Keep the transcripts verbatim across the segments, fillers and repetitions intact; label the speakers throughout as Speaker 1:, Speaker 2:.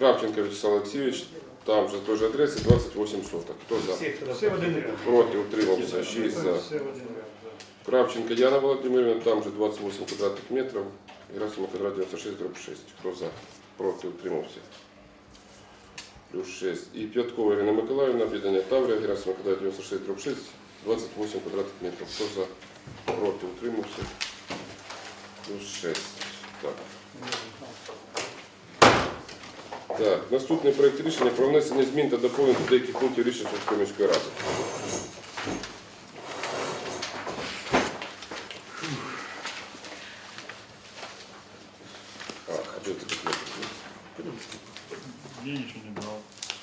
Speaker 1: Кравченко Вячеслав Олексійович, там же той же адресі, двадцять вісім соток. Хто за?
Speaker 2: Все в один ряд.
Speaker 1: Проти, утримався, шість за.
Speaker 2: Все в один ряд, да.
Speaker 1: Кравченко Яна Володимирівна, там же двадцять вісім квадратних метрів. Герасимов квадрат дев'яносто шість дріб шість. Хто за? Проти, утримався. Плюс шість. І П'яткова Ірина Миколаївна, об'єднання Таврія, Герасимов квадрат дев'яносто шість дріб шість, двадцять вісім квадратних метрів. Хто за? Проти, утримався. Плюс шість. Так. Так, наступний проєкт рішення про внесення змін та доповнень до деяких пунктів рішення Сумської міської ради. А, а что ты так нет?
Speaker 3: Я ничего не брал.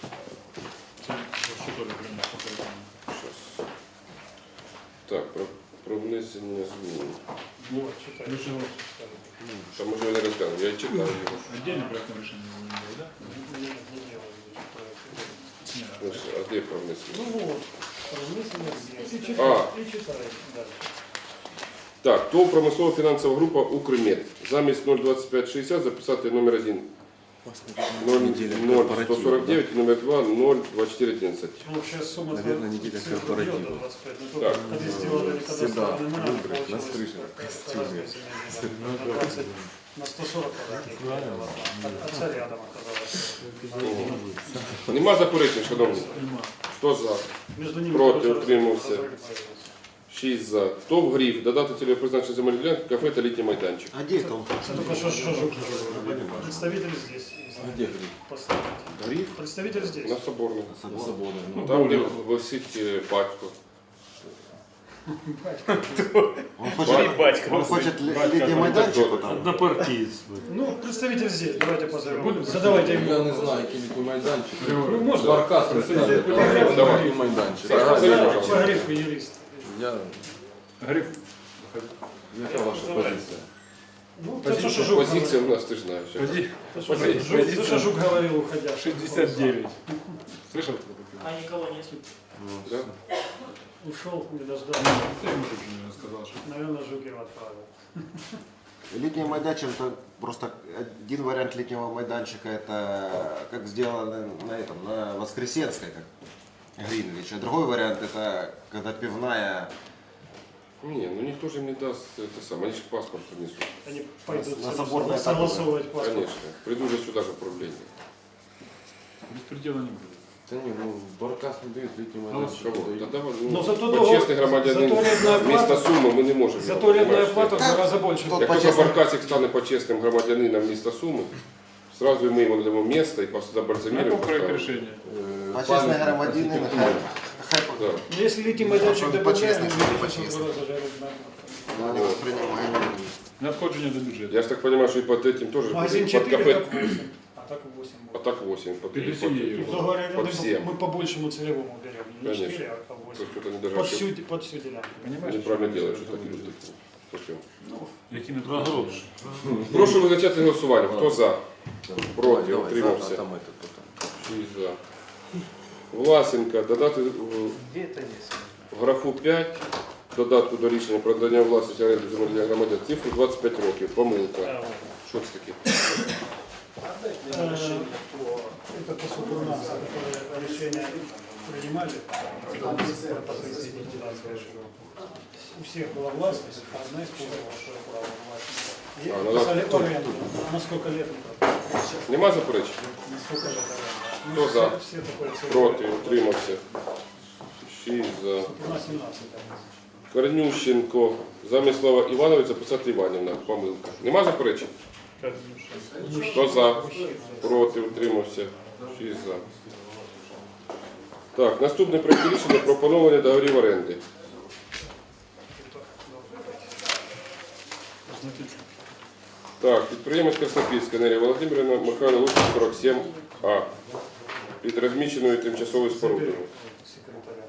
Speaker 3: Что тоже принес?
Speaker 1: Сейчас. Так, про, про внесення змін.
Speaker 2: Вот, читай.
Speaker 3: Ну, что?
Speaker 1: Там уже не розглянув, я читав його.
Speaker 3: Отдельно проектное решение не было, да?
Speaker 2: Нет, не делай проект.
Speaker 3: Нет.
Speaker 1: Значить, а де про внесення?
Speaker 2: Ну вот, размысленно здесь. И
Speaker 1: А.
Speaker 2: читай, и читай дальше.
Speaker 1: Так, ТОВ промислова фінансова група «Укрмет». Замість нуль двадцять п'ять шістдесят записати номер один нуль сто сорок дев'ять і номер два нуль двадцять чотири одинадцять.
Speaker 2: Ну, сейчас сумма...
Speaker 4: Наверное, неделя корпоратива.
Speaker 2: двадцать пять. Ну,
Speaker 1: Так.
Speaker 2: только когда сделали
Speaker 4: Всегда
Speaker 2: кадастровый номер,
Speaker 4: выбрать на
Speaker 2: получилось
Speaker 4: стрижах, в костюме.
Speaker 2: на двадцать, на сто сорок квадратных. А царь рядом оказалось.
Speaker 1: Нема заперечень, шановні? Хто за?
Speaker 2: Между ними
Speaker 1: Проти,
Speaker 2: тоже
Speaker 1: утримався.
Speaker 2: разрыв появился.
Speaker 1: шість за. ТОВ «Гриф». Додати цільове призначення земельної ділянки, кафе та літній майданчик.
Speaker 4: А где это он?
Speaker 2: Это только что, что жук. Представитель здесь.
Speaker 4: А где Гриф?
Speaker 2: Поставить.
Speaker 1: Гриф?
Speaker 2: Представитель здесь.
Speaker 1: На Соборному.
Speaker 4: Свободный.
Speaker 1: Ну, там, де висить е, батько.
Speaker 4: Он хочет, он хочет ли- летний майданчик там.
Speaker 5: Однопартиец.
Speaker 2: Ну, представитель здесь. Давайте позовем. Задавайте
Speaker 6: Я
Speaker 2: ему.
Speaker 6: не знаю, який літній майданчик.
Speaker 2: Ну, можно.
Speaker 6: Баркас представляє.
Speaker 1: Давай.
Speaker 6: Літній майданчик.
Speaker 1: Саша,
Speaker 6: Ага,
Speaker 1: позови,
Speaker 6: я-
Speaker 1: пожалуйста.
Speaker 2: Погреб, юрист.
Speaker 6: Я...
Speaker 3: Гриф.
Speaker 6: Яка ваша позиція?
Speaker 2: Ну, то, что Жук
Speaker 1: Позиція у нас, ти ж знаєш.
Speaker 3: Пози-
Speaker 2: То, что Жук- то, что Жук говорил, уходя.
Speaker 3: шестьдесят девять. Слышал?
Speaker 7: А никого нет.
Speaker 1: Да?
Speaker 2: Ушел, не дождался.
Speaker 3: Ты ему же не сказал, что...
Speaker 2: Наверное, Жук его отправил.
Speaker 4: Летний майданчик это просто один вариант летнего майданчика, это как сделано на этом, на Воскресенской, как Гринвич. А другой вариант это когда пивная.
Speaker 1: Ні, ну ніхто ж їм не дасть те саме, вони ж паспорт принесуть.
Speaker 2: Они пойдут
Speaker 4: На соборное
Speaker 2: согласовывать паспорт.
Speaker 1: Конечно. Прийду же сюди ж управління.
Speaker 3: Беспредела не будет.
Speaker 6: Та ні, ну Баркас не дають літній майданчик.
Speaker 1: Кого?
Speaker 6: дають.
Speaker 1: Та давай,
Speaker 2: Ну,
Speaker 1: ну,
Speaker 2: зато
Speaker 1: почесний
Speaker 2: того-
Speaker 1: громадянин
Speaker 2: зато рядная
Speaker 1: міста
Speaker 2: плата-
Speaker 1: Суми ми не можемо.
Speaker 2: Зато
Speaker 1: його,
Speaker 2: рядная
Speaker 1: понимаєш,
Speaker 2: плата в
Speaker 1: це-
Speaker 2: два раза больше.
Speaker 4: Тот
Speaker 1: Як тільки
Speaker 4: почесний.
Speaker 1: Баркасик стане почесним громадянином міста Суми, сразу ми йому надамо місце і просто
Speaker 3: На
Speaker 1: забальзаміруємо.
Speaker 3: каком проект
Speaker 1: поставимо.
Speaker 3: решения?
Speaker 6: Е,
Speaker 4: Почесный
Speaker 6: пам'ятник
Speaker 4: громадянин,
Speaker 6: архітектури.
Speaker 4: хай, хай
Speaker 1: Да.
Speaker 2: Но если летний майданчик
Speaker 4: Он
Speaker 2: добавляем,
Speaker 4: почестный,
Speaker 2: то
Speaker 4: он
Speaker 2: в
Speaker 4: почестный.
Speaker 2: два раза жарить надо.
Speaker 4: но не воспринимаем.
Speaker 3: Надходжение до бюджета.
Speaker 1: Я ж так понимаю, что и под этим тоже
Speaker 2: Магазин
Speaker 1: под
Speaker 2: четыре,
Speaker 1: кафе,
Speaker 2: так восемь. А так восемь
Speaker 1: а
Speaker 2: будет.
Speaker 1: так восемь, под,
Speaker 3: Перед
Speaker 1: под-
Speaker 3: семьей.
Speaker 2: Ну, говоря,
Speaker 1: под
Speaker 2: мы-
Speaker 1: всем.
Speaker 2: мы по большему целевому берем. Не
Speaker 1: Конечно.
Speaker 2: четыре, а по
Speaker 1: То
Speaker 2: восемь.
Speaker 1: есть это не даже
Speaker 2: Под
Speaker 1: ошибка.
Speaker 2: всю, под всю делянку.
Speaker 3: Понимаешь?
Speaker 1: Неправильно
Speaker 3: что
Speaker 1: делаешь,
Speaker 3: это
Speaker 1: что так
Speaker 3: будет?
Speaker 1: люди. Слухай.
Speaker 3: Які не
Speaker 5: Про гроші.
Speaker 1: Прошу визначати голосування. Хто за? Проти,
Speaker 6: Давай,
Speaker 1: утримався.
Speaker 6: а там этот, потом.
Speaker 1: шість за. Власенка, додати в-
Speaker 7: Где это есть?
Speaker 1: в графу п'ять, додатку до рішення про надання власності оренди земельних громадян, цифру двадцять п'ять років. Помилка.
Speaker 2: А, вот.
Speaker 1: Що це таке?
Speaker 2: Э, Это по суду нас, которые решения принимали, там про позиции кандидатской, что у всех была властность, а одна использовала свое право власти. И
Speaker 1: А, ну
Speaker 2: писали
Speaker 1: да.
Speaker 2: аренду. А на сколько лет это?
Speaker 1: Нема заперечень?
Speaker 2: На сколько лет аренда?
Speaker 1: Кто за?
Speaker 2: Все, все такое целое.
Speaker 1: Проти, утримався. шість за.
Speaker 2: На семнадцать. да.
Speaker 1: Корнющенко. Замість слова Іванович записати Іванівна. Помилка. Нема заперечень? Хто за? Проти, утримався. шість за. Так, наступне проект рішення про поновлення договорів оренди. Так, підприємець Краснопільська Нерія Володимирівна, Михайло Луцький, сорок сім А. Під розміщеною тимчасовою спорудою.
Speaker 2: Секретаря.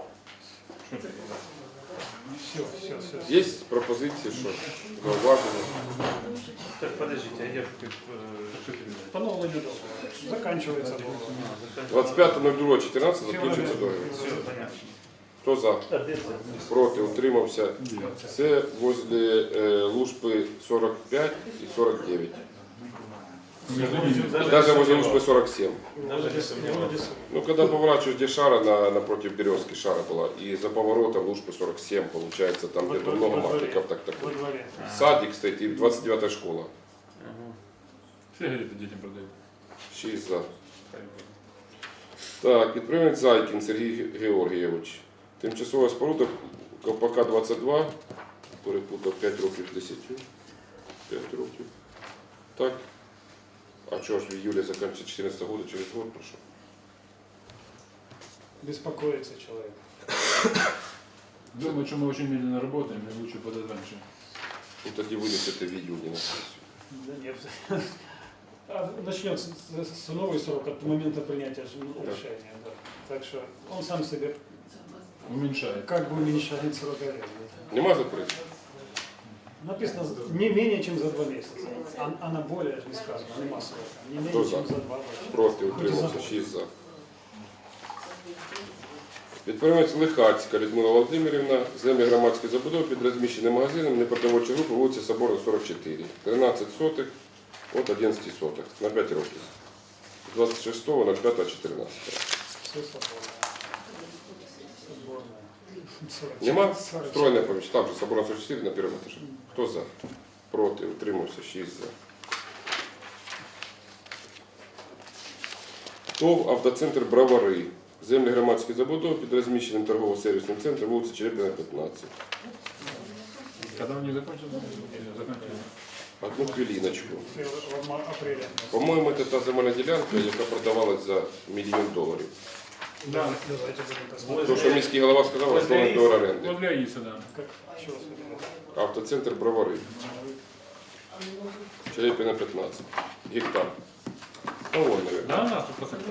Speaker 2: Все, все, все.
Speaker 1: Є пропозиції, що зауваження?
Speaker 7: Так, подождите, а я же как...
Speaker 2: Поновлення договору. Заканчивается договор.
Speaker 1: двадцять п'яте другого чотирнадцятого закінчується договір.
Speaker 7: Все, понятно.
Speaker 1: Хто за? Проти, утримався. Це возле е, Лужпи сорок п'ять і сорок дев'ять.
Speaker 3: Между ними.
Speaker 1: Даже возле УСП сорок семь.
Speaker 7: Даже не сомневался.
Speaker 1: Ну, когда поворачиваешь, где шара на, напротив березки шара была, и за поворотом Лужпы сорок семь, получается, там
Speaker 2: Во
Speaker 1: где-то
Speaker 2: дворе,
Speaker 1: много
Speaker 2: во дворе.
Speaker 1: матников, так
Speaker 2: Во
Speaker 1: такой.
Speaker 2: дворе.
Speaker 1: Садик стоит и двадцать девятая школа.
Speaker 3: Сигареты детям продают.
Speaker 1: шість за. Так, підприємець Зайкін Сергій Георгійович. Тимчасова споруда Ковпака двадцять два. Перепутав п'ять років з десятью. п'ять років. Так. А чого ж в июле закінчиться чотирнадцятого года, через год пройшов?
Speaker 2: Беспокоится человек.
Speaker 3: Думаю, что мы очень медленно работаем, и лучше подать раньше.
Speaker 1: Ну тоді винесете в июні на сесію.
Speaker 2: Да нет. А начнется с, с новый срок от момента принятия ж- решения. Да. Так что он сам себе
Speaker 3: Уменьшает.
Speaker 2: как бы уменьшает срок аренды.
Speaker 1: Нема заперечень?
Speaker 2: Написано не менее чем за два месяца, а, а на более же не сказано, нема срока. Не менее
Speaker 1: Кто
Speaker 2: чем
Speaker 1: за?
Speaker 2: за два роки.
Speaker 1: Проти, утримався, шість за. Підприємець Лихацька Людмила Володимирівна, землі громадської забудови під розміщеним магазином непродовольчої групи вулиця Соборна, сорок чотири. тринадцять сотих от одинадцять сотих на п'ять років. двадцять шостого ноль п'ятого чотирнадцятого.
Speaker 2: Все соборное. Соборное. сорок
Speaker 1: Нема?
Speaker 2: сорок
Speaker 1: Стройне поміщення. Там же Соборна сорок чотири на першому етажі. Хто за? Проти, утримався, шість за. ТОВ «Автоцентр Бровари». Землі громадської забудови під розміщеним торгово-сервісним центром вулиця Черепіна, п'ятнадцять.
Speaker 3: Когда у них закончится? Заканчивается.
Speaker 1: Одну хвилиночку.
Speaker 2: В апреле.
Speaker 1: По-моєму, це та земельна ділянка, яка продавалась за мільйон доларів.
Speaker 2: Да, давайте будем посмотреть.
Speaker 1: То, що міський голова сказав, основний договор оренди.
Speaker 3: Вот для Аиса, да.
Speaker 2: Как, что вы смотрите?
Speaker 1: Автоцентр Бровари. Черепіна, п'ятнадцять. Гектар. Ну, ой, наверное.
Speaker 3: Да, у нас тут посадка.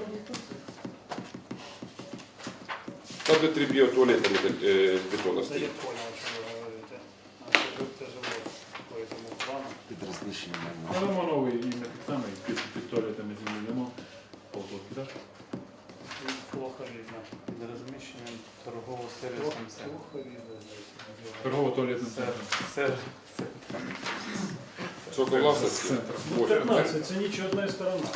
Speaker 1: Там де три біотуалети е, з бетону
Speaker 2: Да я
Speaker 1: стоять.
Speaker 2: понял, о чем вы говорите. А что это же вот по этому плану.
Speaker 4: Під розміщенням.
Speaker 3: Ну, думаю, новый именно тот самый, під, під туалетами земли дома. Полгодки, да?
Speaker 2: Плохо видно.
Speaker 7: Під розміщенням
Speaker 2: Плохо,
Speaker 7: торгово-сервісним центром.
Speaker 2: плохо видно здесь.
Speaker 3: Торгово-туалетным
Speaker 7: Сер,
Speaker 3: центром.
Speaker 7: сер,
Speaker 1: Сколько власності?
Speaker 3: Центр.
Speaker 1: Восемь.
Speaker 2: пятнадцать, це нечетная сторона.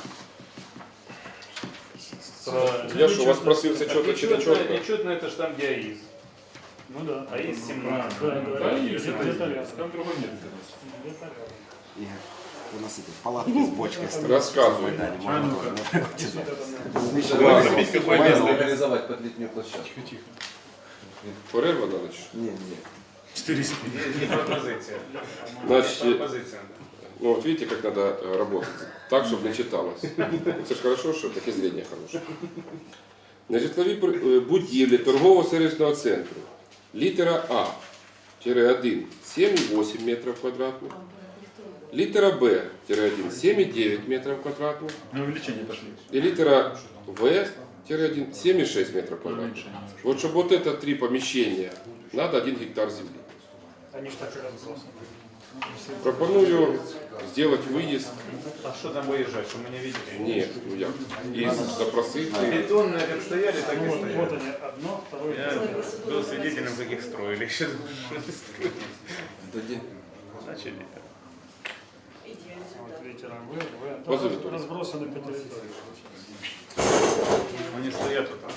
Speaker 1: Я ж у вас просив це чітко чи не чітко?
Speaker 7: Нечетно это ж там, где АИС.
Speaker 2: Ну да.
Speaker 7: АИС семнадцать.
Speaker 2: Да, да,
Speaker 3: Да,
Speaker 2: да.
Speaker 3: есть,
Speaker 2: Где-то
Speaker 3: это
Speaker 2: рядом.
Speaker 3: есть. Там другой нет.
Speaker 2: Где-то рядом.
Speaker 4: Ігор, у нас эти палатки з бочкой стоять.
Speaker 1: Розказуй.
Speaker 4: Да, не
Speaker 3: А
Speaker 4: можна
Speaker 3: ну-ка.
Speaker 4: тоже.
Speaker 2: Здесь вот это, наверное,
Speaker 4: Розміщення.
Speaker 6: Забить какое
Speaker 4: Майно.
Speaker 6: место организовать под летнюю площадку.
Speaker 3: Тихо-тихо.
Speaker 1: Перерва надо чи?
Speaker 6: Не, не.
Speaker 3: Четыре
Speaker 7: Не пропозиция.
Speaker 1: Значить,
Speaker 7: Пропозиция.
Speaker 1: ну вот видите, как надо э, работать. Так, чтобы не читалось. Це ж хорошо, що таке зрення хороше. На житловій пр- е, будівлі торгово-сервісного центру. Літера А, тире один, сім і вісім метрів квадратних. Літера Б, тире один, сім і дев'ять метрів квадратних.
Speaker 3: На увеличение пошли.
Speaker 1: И литера В, тире один, семь и шесть метров квадратных.
Speaker 3: Уменьшение.
Speaker 1: Вот чтобы вот это три помещения, надо один гектар земли.
Speaker 2: Они ж так и разбросаны.
Speaker 1: Пропоную сделать выезд.
Speaker 7: А что там выезжать, что мы не видели?
Speaker 1: Нет, ну я. И запросить.
Speaker 7: Бетонные как стояли, так
Speaker 2: Ну,
Speaker 7: и
Speaker 2: вот, вот
Speaker 7: стояли.
Speaker 2: они, одно, второе,
Speaker 7: Я
Speaker 2: третье.
Speaker 7: был свидетелем, как их строили. Еще думаю, что они строили.
Speaker 6: Да где?
Speaker 7: Начали.
Speaker 2: Вот ветером вы, вы.
Speaker 1: Позови
Speaker 2: Тут
Speaker 1: туда.
Speaker 2: разбросаны по территории.
Speaker 7: Они стоят вот там.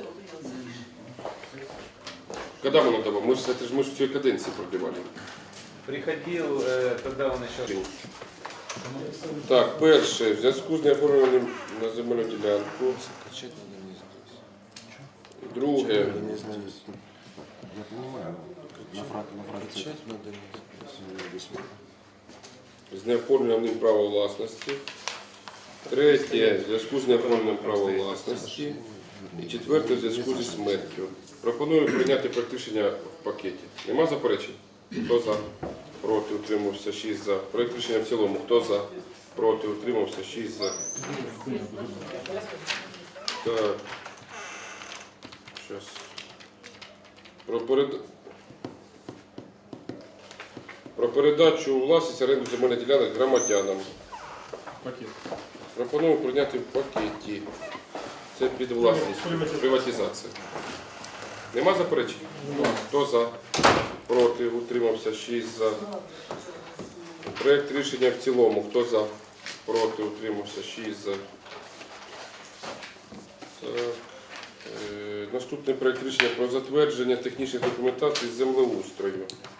Speaker 1: Когда мы надо? Мы же это же мы же в всей каденции продлевали.
Speaker 7: Приходил, э, когда он еще...
Speaker 1: Так, перше, в зв'язку з неоформленням на земельну ділянку.
Speaker 6: Качать надо вниз. здесь.
Speaker 1: Друге,
Speaker 6: Не знаю.
Speaker 4: Я понимаю, на фрак, на фракції.
Speaker 6: Качать надо вниз.
Speaker 1: з неоформленням права власності. Третє, в зв'язку з неоформленням права власності. І четверте, в зв'язку зі смертю. Пропоную прийняти проект рішення в пакеті. Нема заперечень? Хто за? Проти, утримався, шість за. Проект рішення в цілому. Хто за? Проти, утримався, шість за. Так. Щас. Про, перед... Про передачу у власність оренду земельних ділянок громадянам.
Speaker 3: Пакет.
Speaker 1: Пропоную прийняти в пакеті. Це під власність. Приватизація. Нема заперечень? Хто за? Проти, утримався, шість за. Проект рішення в цілому. Хто за? проти, утримався шість за. Так. Е, Наступний проект рішення про затвердження технічної документації з землеустрою.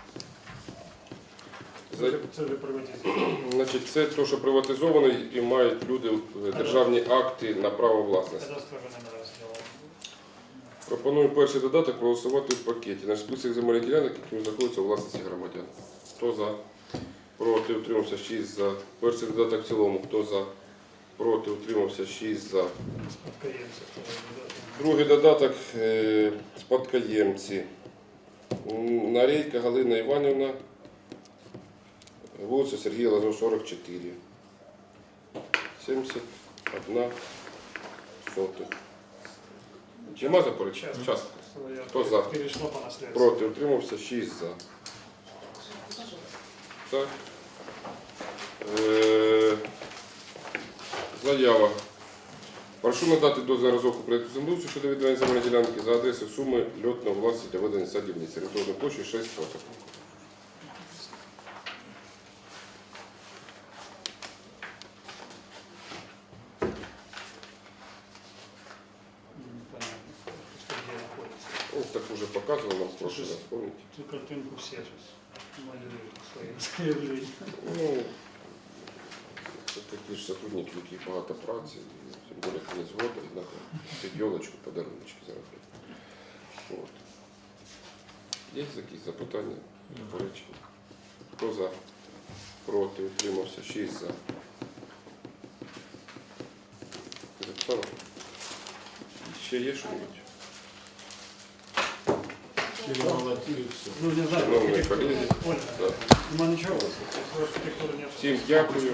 Speaker 1: За-
Speaker 2: Це, це ви приватизуєте.
Speaker 1: Значить, це те, що приватизовано і мають люди е, державні акти на право власності.
Speaker 2: Кадастровий номер розділу.
Speaker 1: Пропоную перший додаток проголосувати в пакеті. Наш список земельних ділянок, які знаходяться у власності громадян. Хто за? Проти, утримався шість за. Перший додаток в цілому. Хто за? Проти, утримався шість за.
Speaker 2: Спадкоємці.
Speaker 1: Другий додаток е, спадкоємці. М, Нарейка Галина Іванівна, вулиця Сергія Лазо, сорок чотири. сімдесят одна сотих. Нема заперечень? Частка. Хто за?
Speaker 2: Перейшло по наслідству.
Speaker 1: Проти, утримався шість за. Так. Е, Заява. Прошу надати дозвіл на розробку проєкту землеустрою щодо відведення земельної ділянки за адресою суми льотного власності для ведення садівниці. Орієнтовною площею шість соток.
Speaker 2: Непонятно, что где находится.
Speaker 1: Ну, так уже показывал нам в прошлый раз, помните?
Speaker 2: Цю картинку все сейчас малюють своїм заявленням.
Speaker 1: Ну, це такі ж сотрудники, які багато праці, і тим більше кінець року, і треба під йолочку, подаруночки заробити. От. Є якісь запитання, заперечення? Хто за? Проти, утримався, шість за. Записано? Ще є що-небудь?
Speaker 3: Всі молодці, і все.
Speaker 2: Ну, не знаю,
Speaker 1: Шановні
Speaker 2: архітектура.
Speaker 1: колеги,
Speaker 2: Оля,
Speaker 1: да.
Speaker 2: нема нічого. Архітектури нет.
Speaker 1: Всім дякую.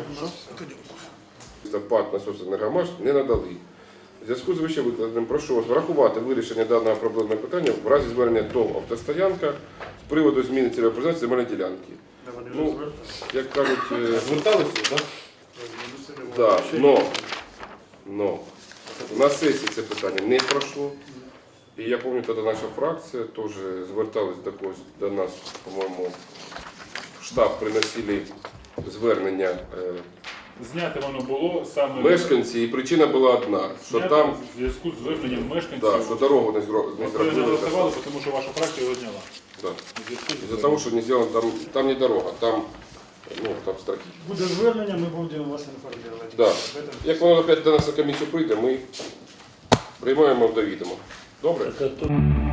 Speaker 1: Запад насосенергомаш не надали. В зв'язку з вище викладеним прошу вас врахувати вирішення даного проблемного питання в разі звернення ТОВ «Автостоянка» з приводу зміни цільової призначення земельної ділянки.
Speaker 2: Да, вони
Speaker 1: Ну,
Speaker 2: вже
Speaker 1: як кажуть, е,
Speaker 6: Зверталися, так?
Speaker 2: зверталися.
Speaker 1: да, но, но на сесії це питання не пройшло. І я пам'ятаю, тоді наша фракція теж зверталась до когось, до нас, по-моєму, в штаб приносили звернення е,
Speaker 3: Зняти воно було саме
Speaker 1: мешканці, і причина була одна, що
Speaker 3: зняти
Speaker 1: там,
Speaker 3: в зв'язку з зверненням мешканців.
Speaker 1: да, що дорогу не, зро, не
Speaker 3: Ми не
Speaker 1: зробили.
Speaker 3: голосували, тому що ваша фракція його зняла.
Speaker 1: Да.
Speaker 3: В зв'язку з
Speaker 1: Из-за того, что не сделано, там, там не дорога, там, ну, там строки.
Speaker 2: Буде звернення, ми будемо вас інформувати.
Speaker 1: Да.
Speaker 2: Об этом.
Speaker 1: Як воно опять до нас на комісію прийде, ми приймаємо до відома. Добре?
Speaker 5: Так, а то-